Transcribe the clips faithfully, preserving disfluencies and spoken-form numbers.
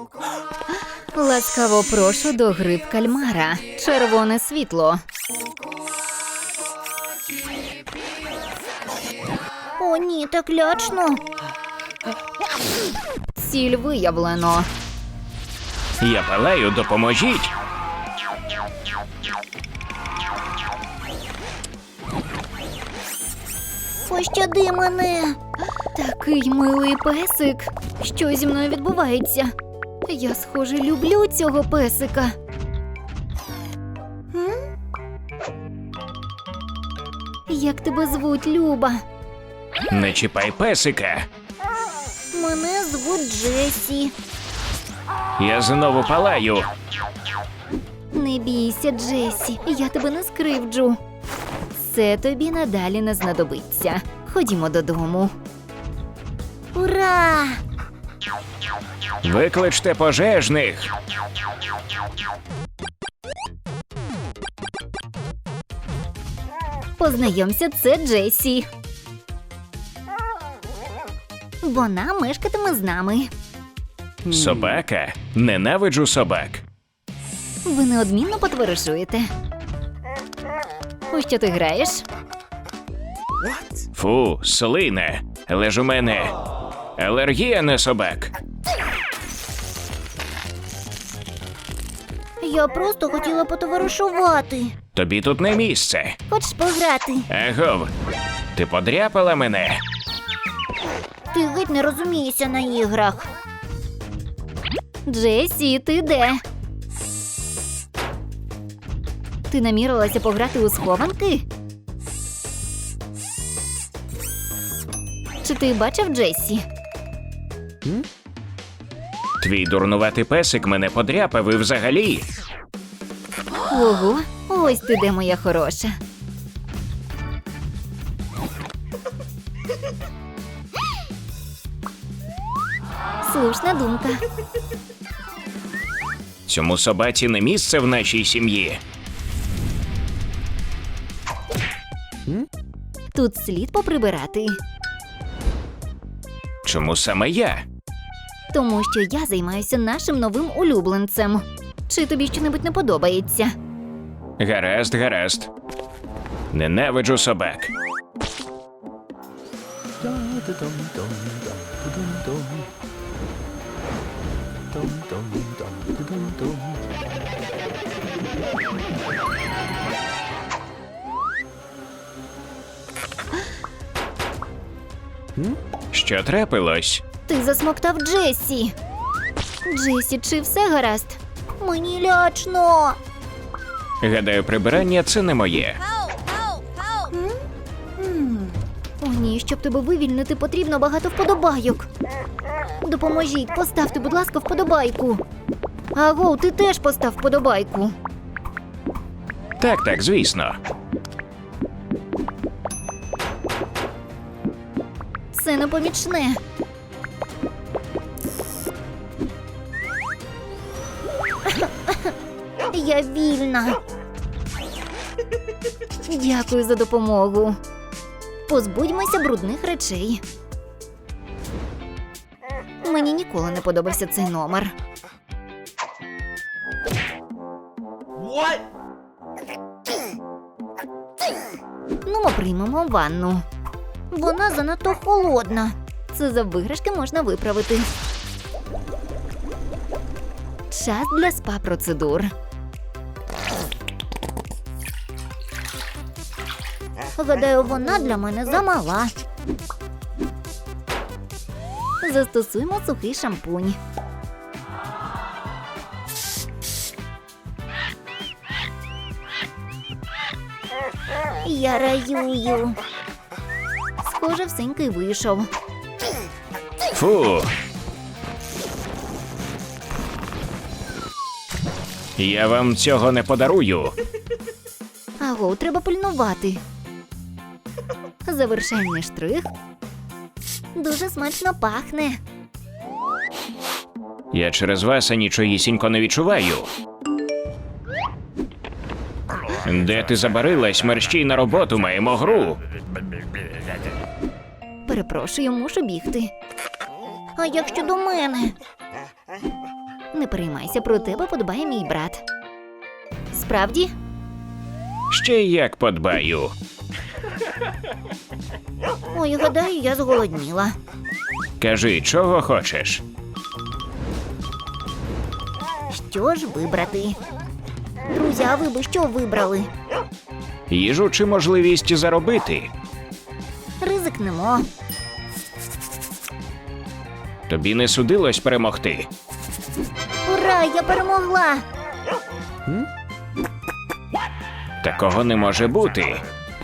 Ласкаво прошу до гри в кальмара. Червоне світло. О, ні, так лячно. Ціль виявлено. Я палаю, допоможіть. Пощади мене. Такий милий песик. Що зі мною відбувається? Я, схоже, люблю цього песика. М? Як тебе звуть, Люба? Не чіпай песика. Мене звуть Джесі. Я знову палаю. Не бійся, Джесі, я тебе не скривджу. Це тобі надалі не знадобиться. Ходімо додому. Ура! Викличте пожежних. Познайомся, це Джесі. Вона мешкатиме з нами. Собака? Ненавиджу собак. Ви неодмінно потоваришуєте. У що ти граєш? Фу, слине. Але ж у мене алергія на собак. Я просто хотіла потоваришувати. Тобі тут не місце. Хочеш пограти? Агов, ти подряпала мене? Ти геть не розумієшся на іграх. Джесі, ти де? Ти намірилася пограти у схованки? Чи ти бачив Джесі? Твій дурнуватий песик мене подряпав і взагалі. Ого, ось ти де, моя хороша. Слушна думка. Цьому собаці не місце в нашій сім'ї. Тут слід поприбирати. Чому саме я? Тому що я займаюся нашим новим улюбленцем. Чи тобі щонебудь не подобається? Гаразд, гаразд. Ненавиджу собак. Що трапилось? Ти засмоктав Джесі. Джесі, чи все гаразд? Мені лячно. Гадаю, прибирання – це не моє. О ні, щоб тебе вивільнити, потрібно багато вподобайок. Допоможіть, поставте, будь ласка, вподобайку. Агоу, ти теж постав вподобайку. Так, так, звісно. Це непомічне. Я вільна. Дякую за допомогу. Позбудьмося брудних речей. Мені ніколи не подобався цей номер. Ну, ми приймемо ванну. Вона занадто холодна. Це за виграшки можна виправити. Час для спа-процедур. Гадаю, вона для мене замала. Застосуємо сухий шампунь. Я раюю. Схоже, всенький вийшов. Фу. Я вам цього не подарую. Аго, треба пильнувати. Завершальний штрих. Дуже смачно пахне. Я через вас нічогісінько не відчуваю. Де ти забарилась? Мерщій на роботу, маємо гру. Перепрошую, мушу бігти. А як щодо мене? Не переймайся, про тебе подбає мій брат. Справді? Ще як подбаю. Ой, гадаю, я зголодніла. Кажи, чого хочеш? Що ж вибрати? Друзі, а ви би що вибрали? Їжу чи можливість заробити? Ризикнемо. Тобі не судилось перемогти. Ура, я перемогла! Такого не може бути.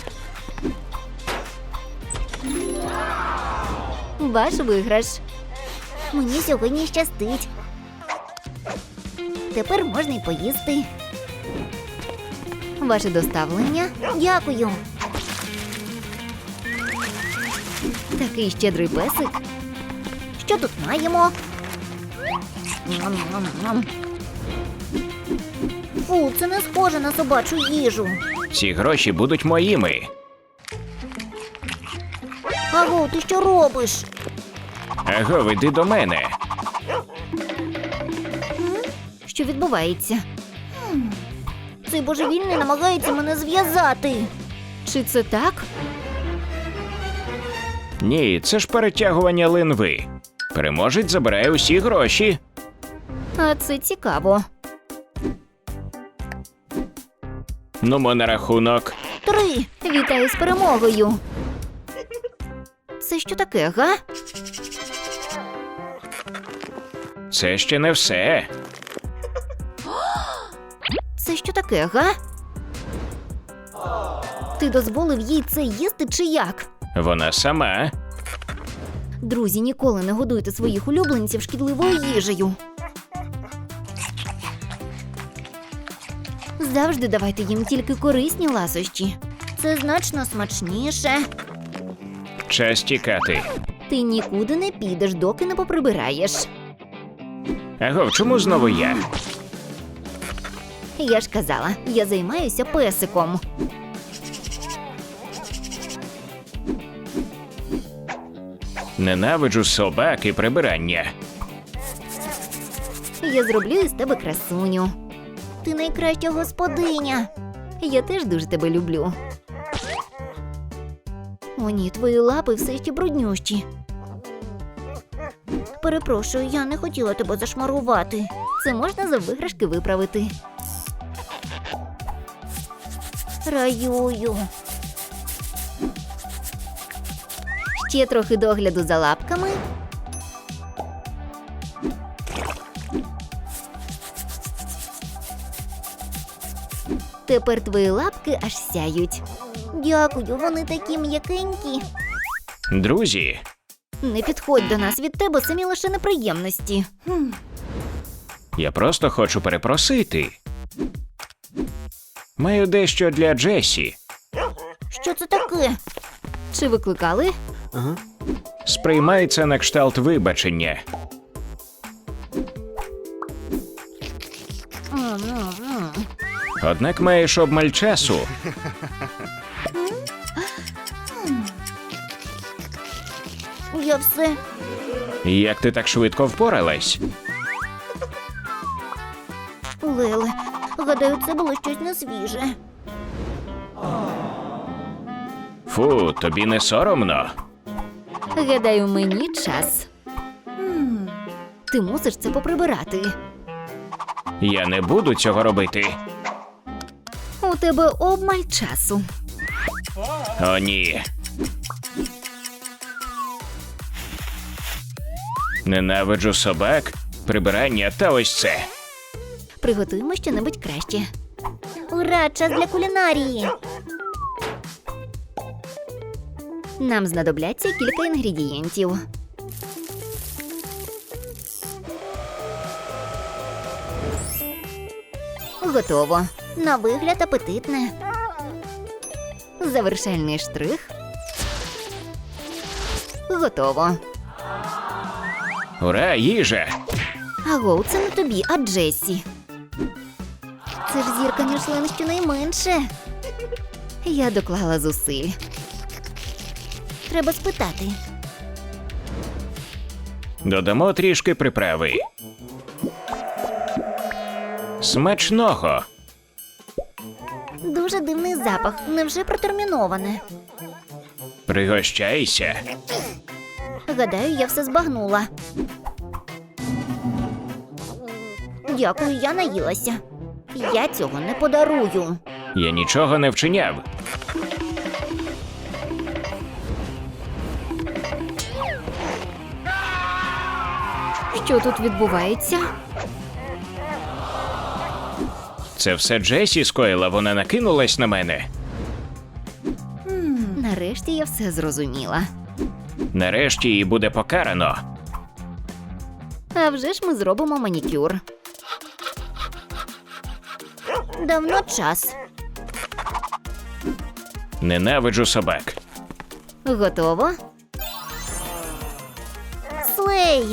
Ваш виграш. Мені сьогодні щастить. Тепер можна й поїсти. Ваше доставлення. Дякую. Такий щедрий песик. Що тут маємо? Ням-ням-ням. Фу, це не схоже на собачу їжу. Ці гроші будуть моїми. Аго, ти що робиш? Аго, іди до мене. Що відбувається? Цей божевільний намагається мене зв'язати. Чи це так? Ні, це ж перетягування линви. Переможець забирає усі гроші. А це цікаво. Нумо на рахунок. Три. Вітаю з перемогою. Це що таке, га? Це ще не все. Це що таке, га? Ти дозволив їй це їсти чи як? Вона сама. Друзі, ніколи не годуйте своїх улюбленців шкідливою їжею. Завжди давайте їм тільки корисні ласощі. Це значно смачніше. Час тікати. Ти нікуди не підеш, доки не поприбираєш. Аго, чому знову я? Я ж казала, я займаюся песиком. Ненавиджу собак і прибирання. Я зроблю із тебе красуню. Ти найкраща господиня. Я теж дуже тебе люблю. О ні, твої лапи все ще бруднющі. Перепрошую, я не хотіла тебе зашмарувати. Це можна за виграшки виправити. Раюю. Ще трохи догляду за лапками. Тепер твої лапки аж сяють. Дякую, вони такі м'якенькі. Друзі, Не підходь до нас, від тебе самі лише неприємності. я просто хочу перепросити. Маю дещо для Джесі. Що це таке? Чи викликали? Сприймається на кшталт вибачення. М-м-м. Однак маєш обмаль часу. Я все. Як ти так швидко впоралась? Леле, гадаю, це було щось несвіже. Фу, тобі не соромно? Гадаю, мені час. Ти мусиш це поприбирати. Я не буду цього робити. У тебе обмаль часу. О, ні. Ненавиджу собак, прибирання та ось це. Приготуємо щонебудь краще. Ура, час для кулінарії. Нам знадобляться кілька інгредієнтів. Готово. На вигляд апетитне. Завершальний штрих. Готово. Ура, їжа! Агоу, це не тобі, а Джесі. Це ж зірка Мішлен щонайменше. Я доклала зусиль. Треба спитати. Додамо трішки приправи. Смачного. Дуже дивний запах. Невже протерміноване? Пригощайся. Гадаю, я все збагнула. Дякую, я наїлася. Я цього не подарую. Я нічого не вчиняв. Що тут відбувається? Це все Джесі скоїла, вона накинулась на мене. Нарешті я все зрозуміла. Нарешті її буде покарано. А вже ж ми зробимо манікюр. Давно час. Ненавиджу собак. Готово? Слей!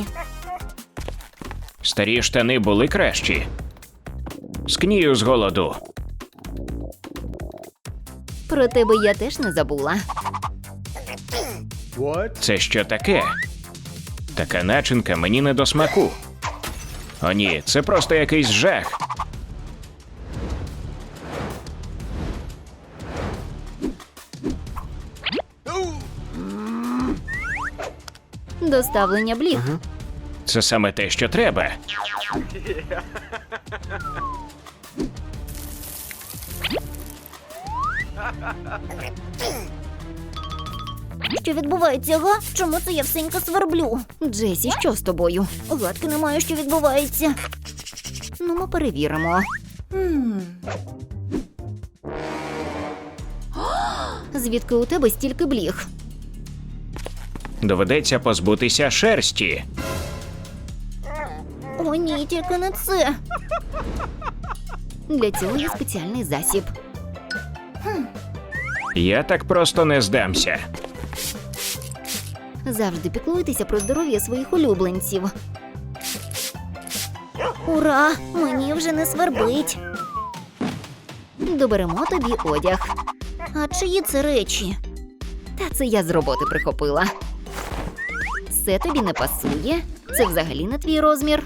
Старі штани були кращі. Скнію з голоду. Про тебе я теж не забула. Це що таке? Така начинка мені не до смаку. О ні, це просто якийсь жах. Доставлення бліг. Це саме те, що треба. Що відбувається, га? Чому це я всенька сверблю? Джесі, що з тобою? Гадки немає, що відбувається. Ну, ми перевіримо. Звідки у тебе стільки бліг? Доведеться позбутися шерсті. О, ні, тільки не це. Для цього є спеціальний засіб. Я так просто не здамся. Завжди піклуйтеся про здоров'я своїх улюбленців. Ура! Мені вже не свербить. Доберемо тобі одяг. А чиї це речі? Та це я з роботи прихопила. Це тобі не пасує. Це взагалі не твій розмір.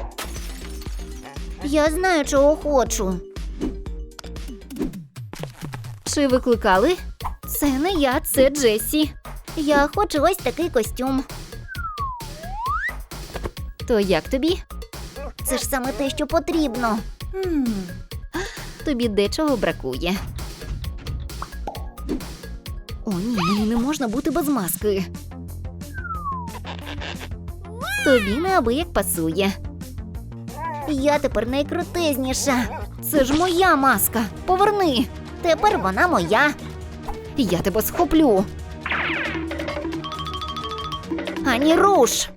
Я знаю, чого хочу. Чи викликали? Це не я, це Джесі. Я хочу ось такий костюм. То як тобі? Це ж саме те, що потрібно. Тобі дечого бракує. О, ні, мені не можна бути без маски. Тобі неабияк пасує. Я тепер найкрутезніша. Це ж моя маска. Поверни. Тепер вона моя. Я тебе схоплю. Ані руш.